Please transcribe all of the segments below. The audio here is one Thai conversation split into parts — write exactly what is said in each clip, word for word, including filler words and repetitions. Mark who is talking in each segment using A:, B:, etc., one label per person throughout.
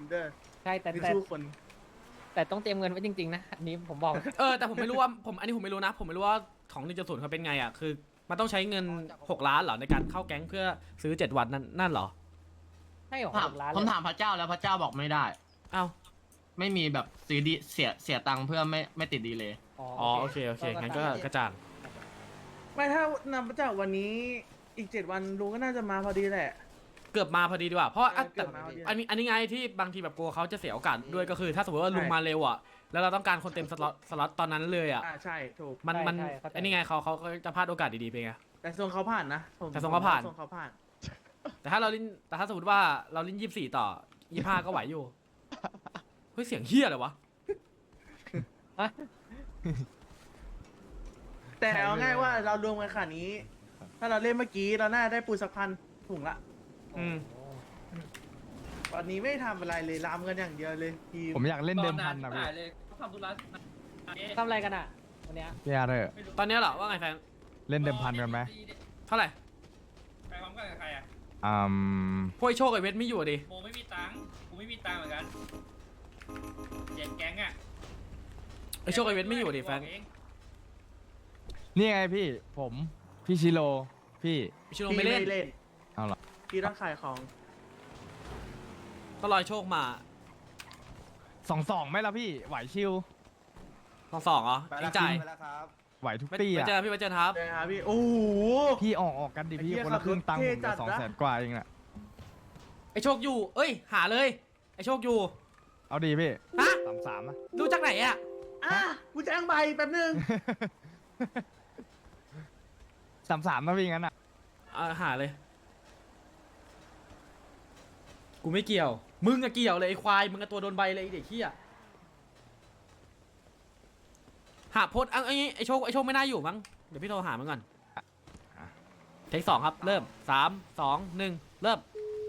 A: เด้อ
B: ใช่แต่
A: ไม่
B: แต่
A: สู้คน
B: แต่ต้องเตรียมเงินไว้จริงๆนะอันนี้ผมบอก
C: เออแต่ผมไม่รู้ว่าผมอันนี้ผมไม่รู้นะ ผมไม่รู้ว่าของหนึ่งจุดศูนย์เขาเป็นไงอ่ะคือมันต้องใช้เงินหกล้านเหรอในการเข้าแก๊งเพื่อซื้อเจ็ดวันนั่นนั่นเหรอ
B: ใช่หรอ
D: ถาม
B: หกล้าน
D: ผม
B: เลย
D: ถามพระเจ้าแล้วพระเจ้าบอกไม่ได้
C: เอ้า
D: ไม่มีแบบซื้อดีเสียเสียตังค์เพื่อไม่ไม่ติดดีเลย
C: อ๋อโอเคโอเคงั้นก็กระจ่าง
A: ไม่ถ้านำมาจากวันนี้อีกเจ็ดวันลุงก็น่าจะมาพอดีแหละ
C: เกือบมาพอดีดีกว่าเพราะอ่ะ
A: เกื
C: แต่
A: อบมาพอดี
C: อันนี้อันนี้ไงที่บางทีแบบกลัวเขาจะเสียโอกาสด้วยก็คือ ถ้าสมมติว่าลุงมาเร็วอ่ะแล้วเราต้องการคนเต็มสล็อตสล็อตตอนนั้นเลยอ่ะ
A: อ่าใช่ถูก
C: มันมันอันนี้ไงเขาเขาเขาจะพลาดโอกาสดีๆไปไง
A: แต่ทรงเขาผ่านนะผม
C: แต่ทรงเขาผ่าน
A: ทรงเขาผ่าน
C: แต่ถ้าเราลิ้นแต่ถ้าสมมติว่าเราลิ้นยี่สิบสี่ต่อยี่ห้าก็ไหวอยู่เฮ้ยเสียงเฮี้ยอะไรวะ
A: แต่เอาง่ายว่าเรารวมกันขนาดนี้ ถ้าเราเล่นเมื่อกี้เราน่าได้ปูสักพันถุงละ
C: อืม
A: วันนี้ไม่ได้ทำอะไรเลยรามกันอย่างเดียวเลยทีม
E: ผมอยากเล่นเดิมพันนะพี่
B: ทำอะไรกันอ่ะวันเนี้ย
E: พี่อาร์เธอร์
C: ตอนนี้เหรอว่าไงแฟน
E: เล่นเดิมพันกันไหม
C: เท่าไหร่
F: ไปพร้อมกันกับใครอ่ะ
E: อืม
C: พวกไอ้โชคไอเวทไม่อยู่ดิ
F: โมไม่มีตังค์กูไม่มีตังค์เหมือนกันเจ็ดแก๊งอ่ะ
C: ไอโชคไอเวทไม่อยู่ดิแฟน
F: บอกเอง
E: นี่ไงพี่ผมพี่ชิโร่พี่
C: ชิโร่
A: พี่
C: ไม่เล่น
A: เล่น
E: เอาเหรอ
A: พี่ต้องขายของ
C: ต้องรอโชคมา
E: สองสองไหมล่ะพี่ไหวชิว
C: สองสองเหรอเองจ่าย
E: ไหวทุก
C: ไป
E: ตี
C: ไป
E: อ่ะ
C: เจอพี่ไปเจอครับ
A: เลยครับพี่โอ้โห
E: พี่ออกออกกันดิพี่
A: ไอ้เหี้ย
E: คนละครึ่งตังค์
A: ขั
E: ผ
A: บรถ
E: ม
A: เท่จั
E: จะ
A: ด
E: สอง
A: นะ
E: แสนกว่าเองน่ะ
C: ไอโชคอยู่ เอ้ย หาเลย ไอโชคอยู่
E: เอาดีพี่
C: ฮะ
E: สามสามนะ
C: ดูจากไหนอ่ะ
A: อ่ะกูจ้างใบแป๊บนึง
E: สามสามนะพี่งั้นอ่ะ
C: อ่าหาเลย กูไม่เกี่ยว มึงอะเกี่ยวเลยไอควาย มึงอะตัวโดนใบเลยไอเด็กเหี้ยหาโพสต์เอาไอ้ไอโชคไอโชคไม่น่าอยู่มั้ง เดี๋ยวพี่โทรหามันก่อนเทคสองครับ เริ่มสามสองหนึ่งเริ่ม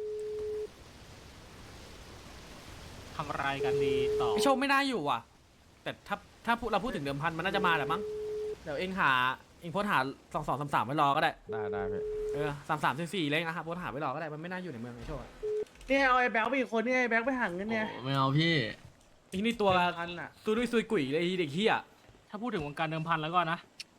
G: ทำอะไรกันดีต่อ
C: ไอโชคไม่น่าอยู่ว่ะ แต่ถ้าถ้าพูดเราพูดถึงเดิมพันมันน่าจะมาแหละมั้ง เดี๋ยวเองหาเองโพสต์หาสองสองสามสามไว้รอก็ได้
E: ได้ได้พี่
C: เออสามสามสี่สี่เลยนะครับโพสต์หาไว้รอก็ได้ มันไม่น่าอยู่ในเมืองไอโชคอะ
A: เนี่ยเอาไอ้แบ็คไปอีกคนเนี่ยไอ้แบ็คไปหาเงินเนี่ย
D: โอ้ไม่เอาพี่
C: ไอ้นี่ตัว
A: พันอ่ะ
C: ตัวด้วยซุยกุ๋ยเลยไอ้เด็กเฮีย
G: ถ้าพูดถึงวงการเดิมพันแล้วก็นะ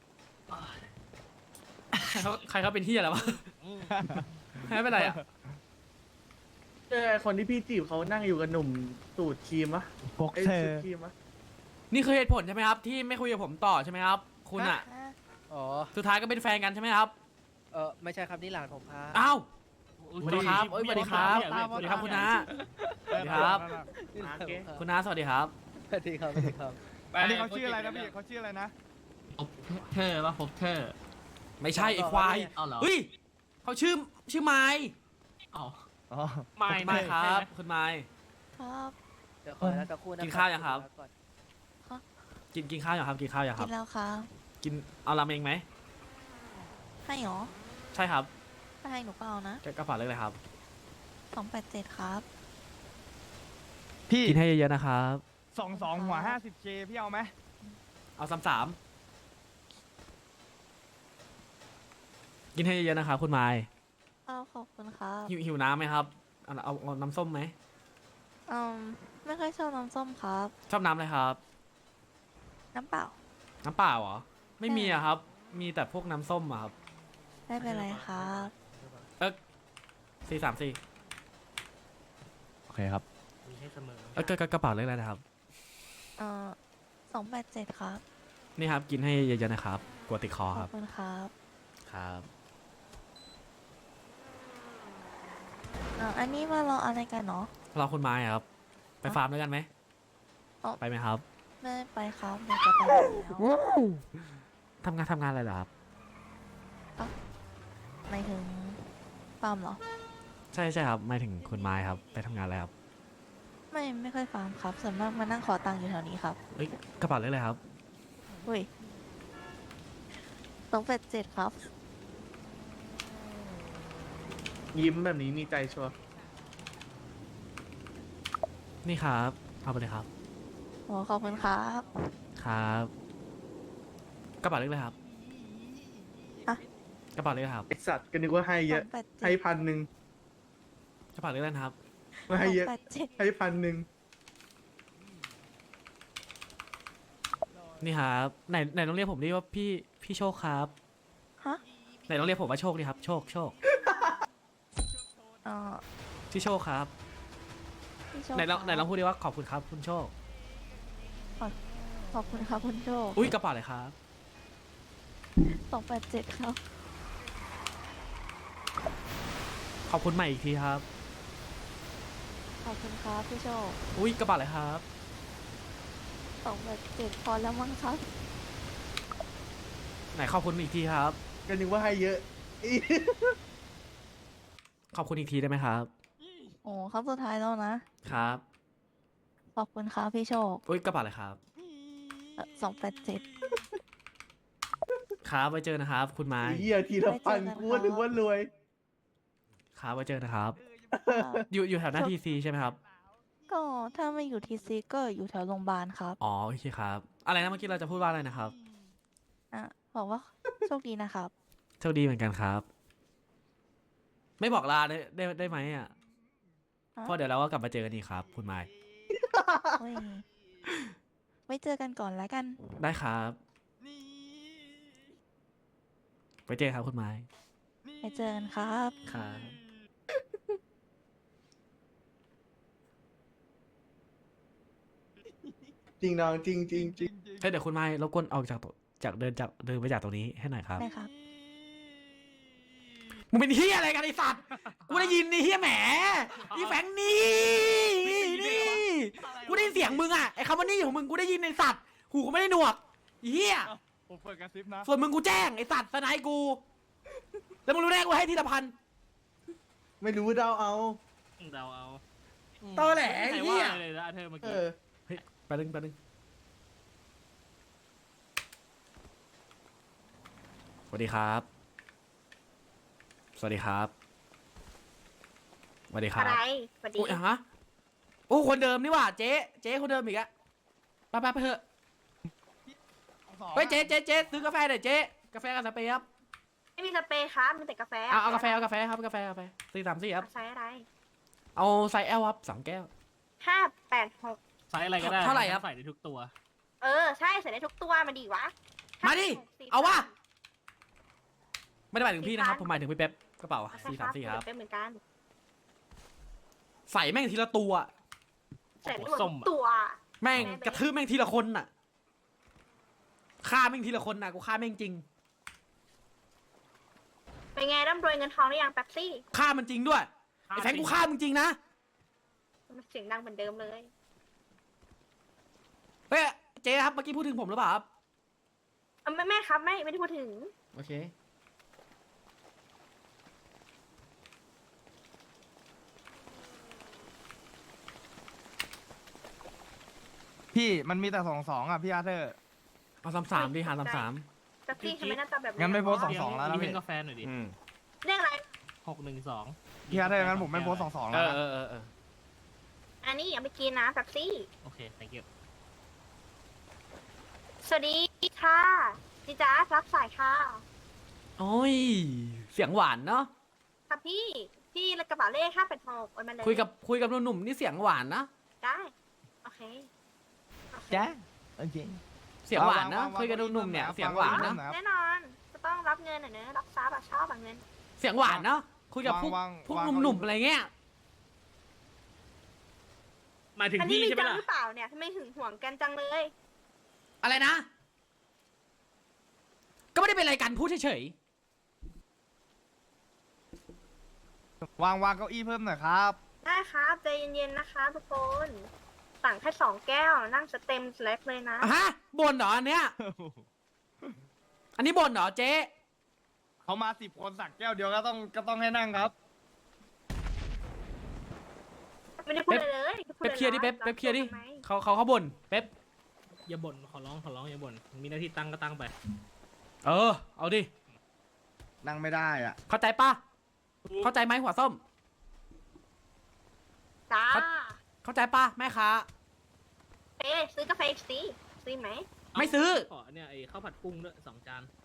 C: ใครเขาใครเขาเป็นเฮียแล้ววะ ไม่เป็นไรอ่ะ
A: เจอไอ้คนที่พี่จีบเขานั่งอยู่กับหนุ่มสูตรครีมวะ
E: พก
A: ไอ้
E: เธอ
A: สูตรครีมวะ
C: นี่คือเหตุผลใช่ไหมครับ ที่ไม่คุยกับผมต่อใช่ไหมครับ คุณอ่ะ
B: อ๋อ
C: สุดท้ายก็เป็นแฟนกันใช่ไหมครับ
B: เออไม่ใช่ครับนี่หลานผมครับ
C: อ้าวสวัสดีครับเอ้ยสวัสดีครับสวัสดีครับคุณน้าสวัสดีครับ
B: นี่หลานผมครับ
C: คุณน้าสวัสดีครับ
B: สวัสดีครับสวัสดีครับ
F: ไป
E: อันนี้เขาชื่ออะไรนะพี่เขาชื่ออะไรนะ
D: พบเธอป่ะพบเธอ
C: ไม่ใช่ไอ้ควาย
D: เอาเหรอ
C: เฮ้ยเขาชื่อชื่อไม้
D: เอา
E: อ๋อ
G: ไม่
C: ไม้ครับ คุณไม้
H: ครับ
B: เดี๋ยวขอแล้วสักครู่นะ
C: กินข้าวยังครับ
B: ก่อน
C: กินกินข้าวยังครับกินข้าวยังค
H: กิ
C: รับ
H: นแล้วครับ
C: กินเอาราเมงไหม
H: ให้หรอ
C: ใช่ครับ
H: ถ้าให้หนูก็เอานะ
C: กระเป๋าเล็กเลยครับ
H: สองแปดเจ็ดครับ
E: พี่
C: กินให้เยอะๆนะครับ
E: สองสองหัวห้าสิบเคพี่เอาไหม
C: เอาสามสามกินให้เยอะๆนะครับคุณไม้
H: เอาขอบคุณครับ
C: หิวหิวน้ำไหมครับเอาเอาเอาน้ำส้มไหม
H: อืมไม่ค่อยชอบน้ำส้มครับ
C: ชอบน้ำอะไรครับ
H: น้ำเปล่า
C: น้ำเปล่าเหรอ ไม่มีอะครับ มีแต่พวกน้ำส้มอะครับ
H: ไม่เป็นไรครับ
C: เอ๊ะสี่สามสี่
E: โอเคครับ
G: มีให้เสมอ
C: เอ๊ะกระกระกระเป๋าเลขอะไรนะครับ
H: เอ่อสองแปดเจ็ดครับ
C: นี่ครับ กินให้เยอะๆนะครับ กลัวติดคอ
H: ข
C: ค
H: อ
C: รั
H: บบ คุณครับ
C: ครับ
H: เอ่ออันนี้มารออะไรกันเนาะ
C: รอคุณไม้อะครับ ไปฟาร์มด้วยกันไหม
H: อ๋อ
C: ไปไหมครับ
H: ไม่ไปครับเดี๋ยวจะไปแล้ว
C: ทำงานทำงานอะไรเหรอครับ
H: หมายถึงฟาร์มเหรอ
C: ใช่ใช่ครับไม่ถึงคุณไม้ครับ ไปทำงานอะไรครับ
H: ไม่ไม่ค่อยฟาร์มครับ ส่วนมากมานั่งขอตังค์อยู่แถวนี้ครับ
C: เอ้ยกระเป๋าเลขอะไรครับ
H: อุ้ยสองแปดเจ็ดครับ
A: ยิ้มแบบนี้มีใจชัวร์
C: นี่ครับ เอาไปเลยครับ
H: โอ้ขอบคุณครับ
C: ครับ กระเป๋าเลขอะไรครับ
H: อะ
C: กระเป๋าเลขอะไรครับ
A: ไอสัตว์ก็นึกว่าให้เยอะ
H: สองแปดเจ็
A: ให้
H: ด
A: พันหนึ่ง
C: กระเป๋าเลขอะไรนะครับ
A: มาให้เยอะ
H: แปดเจ็ด
A: ให้พันหนึ่ง
C: นี่ครับไหนไหนต้องเรียกผมดิว่าพี่พี่โชคครับ
H: ฮะ
C: ไหนต้องเรียกผมว่าโชคดิครับโชคโชค
H: เอ่อ
C: พี่โชคครับ
H: พี่โชค
C: ไหนลอง
H: ครับ
C: ไหนลองพูดดิว่าขอบคุณครับคุณโชค
H: ขอบคุณครับคุณโชค
C: อุ้ยกระเป๋าเลยครับ
H: สองแปดเจ็ดครับ
C: ขอบคุณใหม่อีกทีครับ
H: ขอบคุณครับพี่โชค
C: อุ้ยกระเป๋าเลยครับ
H: สองแปดเจ็ดพอแล้วมั้งครับ
C: ไหนขอบคุณอีกทีครับ
A: ก็นึกว่าให้เยอะอี
C: ขอบคุณอีกทีได้ไหมครับ
H: โอ้ครับสุดท้ายแล้วนะครับ ขอบคุณครับพี่โชค
C: อุ้ยกระเป๋าเลยครับ
H: สองแปดเจ็ด
C: ครับไว้เจอนะครับ คุณไม้
A: เฮียทีละพัน
H: ไว้เจอกัน
A: กูว่านึกว่ารวย
C: ครับไว้เจอนะครับ อยู่อยู่แถวหน้าทีซีใช่ไหมครับ
H: ก็ถ้าไม่อยู่ทีซีก็อยู่แถวโรงพยาบาลครับ
C: อ๋อโอเคครับ อะไรนะเมื่อกี้เราจะพูดว่าอะไรนะครับ
H: อ่ะบอกว่าโชคดีนะครับ
C: โชคดีเหมือนกันครับ ไม่บอกลาได้ได้ได้ไหมอ่ะ
H: ฮะ
C: เพราะเดี๋ยวเราก็กลับมาเจอกันอีกครับ คุณไม้
H: โอ้ยไว้เจอกันก่อนแล้วกัน
C: ได้ครับไปเจอครับคุณไม้
H: ไว้เจอกันครับ
C: ครับ
A: จริงน้องจริงจริงจริง
C: เฮ้ยเดี๋ยวคุณไม้รบกวนออกจากตัวจากเดินจากเดินไปจากตรงนี้ให้หน่อยครับ
H: ได้ครับ
C: มึงเป็นเฮียอะไรกันไอสัตว์กูได้ยินนี่เฮียแหมนี่แฝงนี่นี่กูได้ยินเสียงมึงอ่ะไอคำว่านี่ของมึงกูได้ยินในสัตว์หูกูไม่ได้หนวกไอ้เฮีย
E: ผมเปิดกระซิบนะ
C: ส่วนมึงกูแจ้งไอสัตว์สนายกูแล้วมึงรู้ได้กูให้ทีละพัน
A: ไม่รู้เดาเอา
G: เราเอา
C: ตอแหลไอ้
G: ไหน
C: เฮี
G: ว่าย เลยนะเธอเมื่อ
A: เอ
G: กี้
A: อ
C: เฮ้ยไปดึงไปดึงสวัสดีครับ สวัสดีครับสวัสดีครับ
I: อะไรสวัสดี
C: โอ้ยฮะโอ้คนเดิมนี่หว่าเจ๊เจ๊คนเดิมอีกอะไปไปไปเถอะเฮ้ยเจ๊เจ๊เจ๊ซื้อกาแฟหน่อยเจ๊กาแฟกับสเปรย์ครับ
I: ไม่มีสเปรย์ครับมีแต่กาแฟ
C: เอาเอากาแฟเอากาแฟครับกาแฟกาแฟสี่สามสี่ครับ
I: ใช้อะไร
C: เอาไซส์ L ครับสองแก้ว
I: ห้าแปดหก
G: ไซส์อะไรก็ได้
C: เท่าไหร่ครับ
G: ใส่ได้ทุกตัว
I: เออ ใช่ใส่ได้ทุกตัวมาดีวะ
C: มาดิ
I: ห้แปหกสี่
C: เอาวะ ไม่ได้หมายถึงพี่นะครับผมหมายถึงพี่เป๊ปกระเป๋า
I: ใช่
C: สี่สามสี่ครับ
I: เป็นเหมือนกัน
C: ใส่แม่งทีละตัว
I: ใส่ได้หมด
G: ส้
I: ทุ
G: ม
I: ก
G: อะ
I: ตัว
C: แม่งกระทืบแม่งทีละคนน่ะฆ่าแม่งทีละคนน่ะกูฆ่าแม่งจริง
I: เป็นไงร่ำรวยเงินทองหรือยังแป๊บซี่
C: ฆ่ามันจริงด้วยไอ้แฟงกูฆ่ามึงจริงนะ
I: มันเสียงดังเหมือนเดิมเลย
C: เฮ้ยเจ๊ครับเมื่อกี้พูดถึงผมหรือเปล่าครับ
I: เออไม่แม่ครับไม่ไม่ได้พูดถึง
C: โอเค
E: พี่มันมีแต่สองสองอ่ะพี่อาร์เธอร์
C: เอาสามสามดิหารสามสาม
I: แป๊บซี่ทำไมหน้าตาแบบ
E: งั้นไม่โพสต์สอง
G: เลี้ย
E: สองแล้วนะ
G: เลี้ย
E: พี่
G: งกาแฟหน่อยดิ
I: เรื่องอะไร
G: หกหนึ่งสอง
E: พี่อาร์เธอร์งั้นผมไม่โพสต์สองสอง
C: เอ
E: แล้ว
C: อ
E: นะ
C: เออเออเออ
I: อันนี้อย่าไปกินนะแป๊บซี่
G: โอเค thank you
I: สวัสดีค่ะจิจ้ารับสายค่ะ
C: โอ้ยเสียงหวานเนาะ
I: ค่ะพี่พี่กระเป๋าเลขห้าแปดหกโอนมาเลย
C: คุยกับคุยกับหนุ่มๆนี่เสียงหวานนะ
I: ได้โอเคโอเค
E: จ๊ะโอเค
C: เสียงหวานนะคุยกับหนุ่มๆเนี่ยเสียงหวานนะ
I: แน่นอนจะต้องรับเงินหน่อยเนอะรับทรัพย์อะชอบแบบเงิน
C: เสียงหวานเนาะคุยกับพวก
E: วาง
C: พวก
E: วาง
C: หนุ่มๆอะไรเงี้ย
G: หมายถึง
I: อันนี้
G: พี่
I: มี
G: ใช่ไหม
I: จัง
G: ล่ะ
I: หรือเปล่าเนี่ยทำไมหึงหวงกันจังเลย
C: อะไรนะ ก็ไม่ได้เป็นอะไรกันพูดเฉยว
E: างวางเก้าอี้เพิ่มหน่อยครับ
I: ได้ครับใจเย็นๆนะคะทุกคน สั่งแค่สองแก้วนั่งสเต็มสแลกเลยนะ
C: ๆอ่ะฮะบ่นเหรออันเนี้ยอันนี้บ่นเหรอเจ๊
E: เขามาสิบคนสั่งแก้วเดียวก็ต้องก็ต้องให้นั่งครับ
I: ไม่ได้พูดอะไรเลยพู
C: เป๊ปเคลียร์ดิเป๊ป
I: รับ
C: เป๊ปเคลียร์ดิ
I: ทำไม
C: เขาเขาเขาบ่นเป๊ป
G: อย่าบ่นขอร้องขอร้องอย่าบ่นมีหน้าที่ตั้งก็ตั้งไป
C: เออเอาดิ
E: นั่งไม่ได้อ่ะ
C: เข้าใจป่ะเข้าใจไหมหัวส้ม
I: จ้า
C: เขา เข้าใจป่ะแม่ค้า
I: เอ๊ะซื้อกาแฟอีกสิซื้อไหม
C: ไม่ซื้อ
G: ขอเนี่ยไอ้ข้าวผัดกุ้งด้วยสองจาน